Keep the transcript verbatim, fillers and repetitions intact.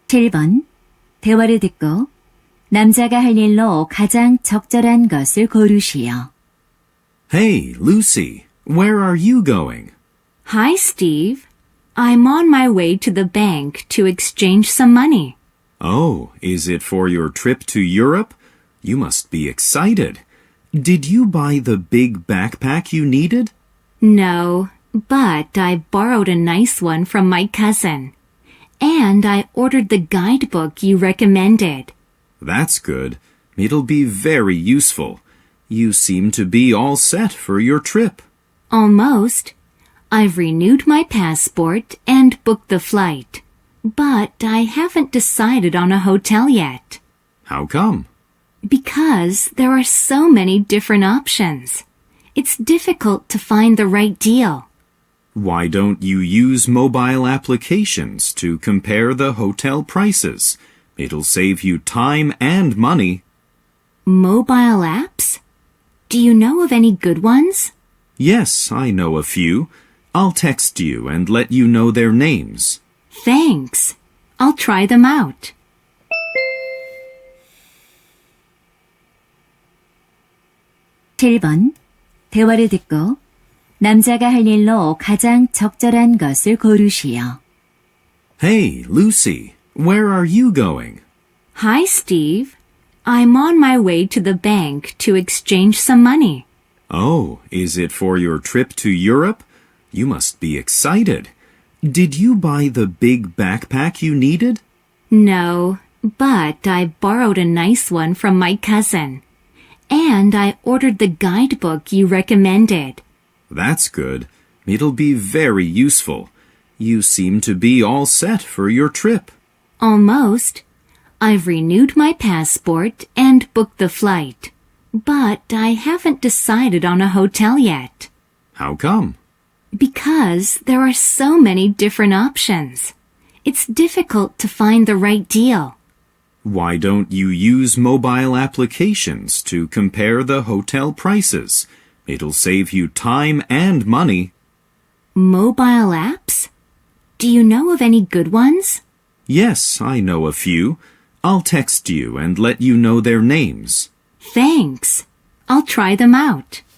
칠 번. 대화를 듣고 남자가 할 일로 가장 적절한 것을 고르시오. Hey, Lucy, where are you going? Hi, Steve. I'm on my way to the bank to exchange some money. Oh, is it for your trip to Europe? You must be excited. Did you buy the big backpack you needed? No, but I borrowed a nice one from my cousin. And I ordered the guidebook you recommended. That's good. It'll be very useful. You seem to be all set for your trip. Almost. I've renewed my passport and booked the flight. But I haven't decided on a hotel yet. How come? Because there are so many different options. It's difficult to find the right deal. Why don't you use mobile applications to compare the hotel prices? It'll save you time and money. Mobile apps? Do you know of any good ones? Yes, I know a few. I'll text you and let you know their names. Thanks. I'll try them out. 칠 번. 대화를 듣고 남자가 할 일로 가장 적절한 것을 고르시오. Hey, Lucy, where are you going? Hi, Steve. I'm on my way to the bank to exchange some money. Oh, is it for your trip to Europe? You must be excited. Did you buy the big backpack you needed? No, but I borrowed a nice one from my cousin. And I ordered the guidebook you recommended. That's good. It'll be very useful. You seem to be all set for your trip. Almost. I've renewed my passport and booked the flight. But I haven't decided on a hotel yet. How come? Because there are so many different options. It's difficult to find the right deal. Why don't you use mobile applications to compare the hotel prices? It'll save you time and money. Mobile apps? Do you know of any good ones? Yes, I know a few. I'll text you and let you know their names. Thanks. I'll try them out.